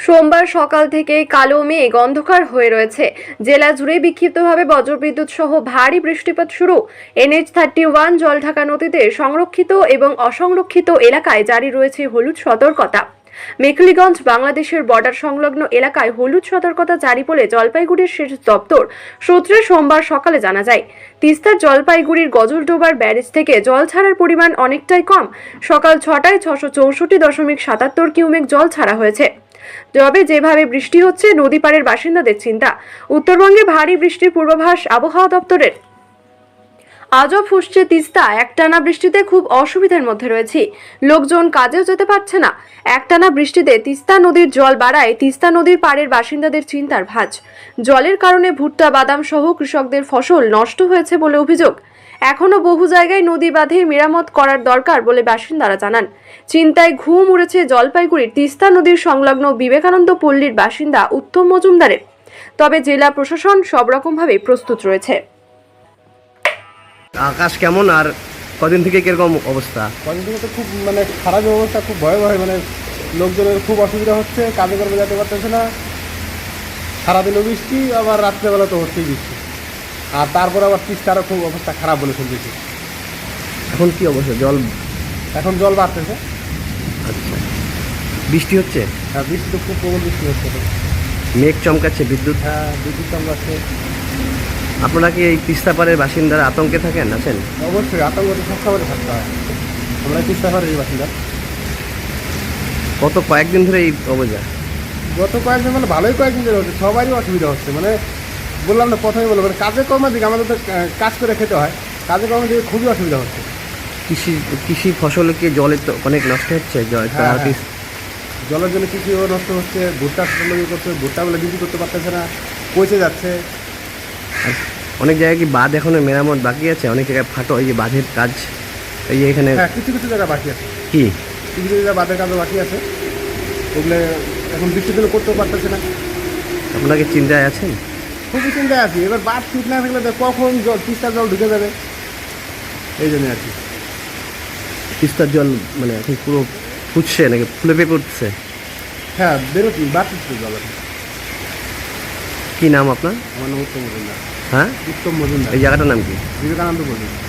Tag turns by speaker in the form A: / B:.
A: সোমবার সকাল থেকেই কালো মেঘ অন্ধকার হয়ে রয়েছে। জেলা জুড়ে বিক্ষিপ্তভাবে বজ্রবিদ্যুৎ সহ ভারী বৃষ্টিপাত শুরু। NH-31 জলঢাকা নদীতে সংরক্ষিত এবং অসংরক্ষিত এলাকায় জারি রয়েছে হলুদ সতর্কতা। মেখলিগঞ্জ বাংলাদেশের বর্ডার সংলগ্ন এলাকায় হলুদ সতর্কতা জারি বলে জলপাইগুড়ির সেচ দপ্তর সূত্রে সোমবার সকালে জানা যায়। তিস্তার জলপাইগুড়ির গজলডোবার ব্যারেজ থেকে জল ছাড়ার পরিমাণ অনেকটাই কম। সকাল 6টায় 664.77 কিউমেক জল ছাড়া হয়েছে। তবে যেভাবে বৃষ্টি হচ্ছে, নদী পাড়ের বাসিন্দাদের চিন্তা। উত্তরবঙ্গে ভারী বৃষ্টির পূর্বাভাস আবহাওয়া দপ্তরের। আজও ফুসছে তিস্তা। একটানা বৃষ্টিতে খুব অসুবিধার মধ্যে রয়েছে, লোকজন কাজেও যেতে পারছে না। একটানা বৃষ্টিতে তিস্তা নদীর জল বাড়ায় তিস্তা নদীর পাড়ের বাসিন্দাদের চিন্তার ভাঁজ। জলের কারণে ভুট্টা, বাদাম সহ কৃষকদের ফসল নষ্ট হয়েছে বলে অভিযোগ। এখনও বহু জায়গায় নদী বাঁধে মেরামত করার দরকার বলে বাসিন্দারা জানান। চিন্তায় ঘুম উড়েছে জলপাইগুড়ির তিস্তা নদীর সংলগ্ন বিবেকানন্দ পল্লীর বাসিন্দা উত্তম মজুমদারের। তবে জেলা প্রশাসন সব রকমভাবে প্রস্তুত রয়েছে।
B: আকাশ কেমন আর কদিন থেকে কিরকম অবস্থা?
C: কদিন থেকে তো খুব খারাপ অবস্থা, খুব ভয়াবহ। লোকজনের খুব অসুবিধা হচ্ছে, কাজে কর্মে যেতে পারতেছে না। সারাদিনও বৃষ্টি, আবার রাত্রেবেলা তো হচ্ছেই বৃষ্টি। আর তারপর আবার তিস্তারও খুব অবস্থা খারাপ বলে শুনতেছি।
B: এখন কি অবস্থা?
C: এখন জল বাড়তেছে।
B: আচ্ছা, বৃষ্টি হচ্ছে?
C: হ্যাঁ, বৃষ্টি তো খুব প্রবল বৃষ্টি হচ্ছে।
B: মেঘ চমকাচ্ছে, বিদ্যুৎ।
C: হ্যাঁ, বিদ্যুৎ চমকাচ্ছে।
B: আপনারা কি এই তিস্তা পাড়ের বাসিন্দারা আতঙ্কে আছেন?
C: অবশ্যই আতঙ্ক তো সবসময় থাকতে হয়। আমরা তিস্তা পাড়ের বাসিন্দা।
B: কয়েকদিন ধরে এই অবস্থা?
C: গত কয়েকদিন ভালোই কয়েকদিন ধরে হচ্ছে, সবারই অসুবিধা হচ্ছে। বললাম না, প্রথমে বললাম কাজের কর্মের দিকে আমাদের তো কাজ করে খেতে হয়, কাজের কর্মের দিকে খুবই অসুবিধা হচ্ছে।
B: কৃষি ফসল কি জলে তো অনেক নষ্ট হচ্ছে?
C: জলের জন্য কৃষিও নষ্ট হচ্ছে, ভুট্টা করছে, ভুট্টাগুলো বিক্রি করতে পারতেছে না, পচে যাচ্ছে।
B: অনেক জায়গায় কি বাঁধ এখনো মেরামত বাকি আছে? অনেক জায়গায় এই যে বাঁধের কাজ, এই এখানে
C: কিছু কিছু জায়গায় বাকি আছে।
B: কি
C: কিছু কিছু জায়গায় বাঁধের কাজও বাকি আছে, ওগুলো এখন বৃষ্টির জন্য করতেও পারতেছে না।
B: আপনারা কি চিন্তায় আছেন?
C: খুবই চিন্তায় আছি। এবার বাঁধ ঠিক না থাকলে কখন তিস্তার জল ঢুকে যাবে, এই জন্য আর কি।
B: তিস্তার জল এখন পুরো ফুটছে নাকি ফুলে পেঁপে উঠছে?
C: হ্যাঁ, বেরোচ্ছি, বাড়তেছে জল।
B: কি নাম আপনার?
C: আমার নাম উত্তম মজুমদার।
B: হ্যাঁ,
C: উত্তম মজুমদার।
B: এই জায়গাটার নাম কি?
C: বিবেকানন্দ পল্লী।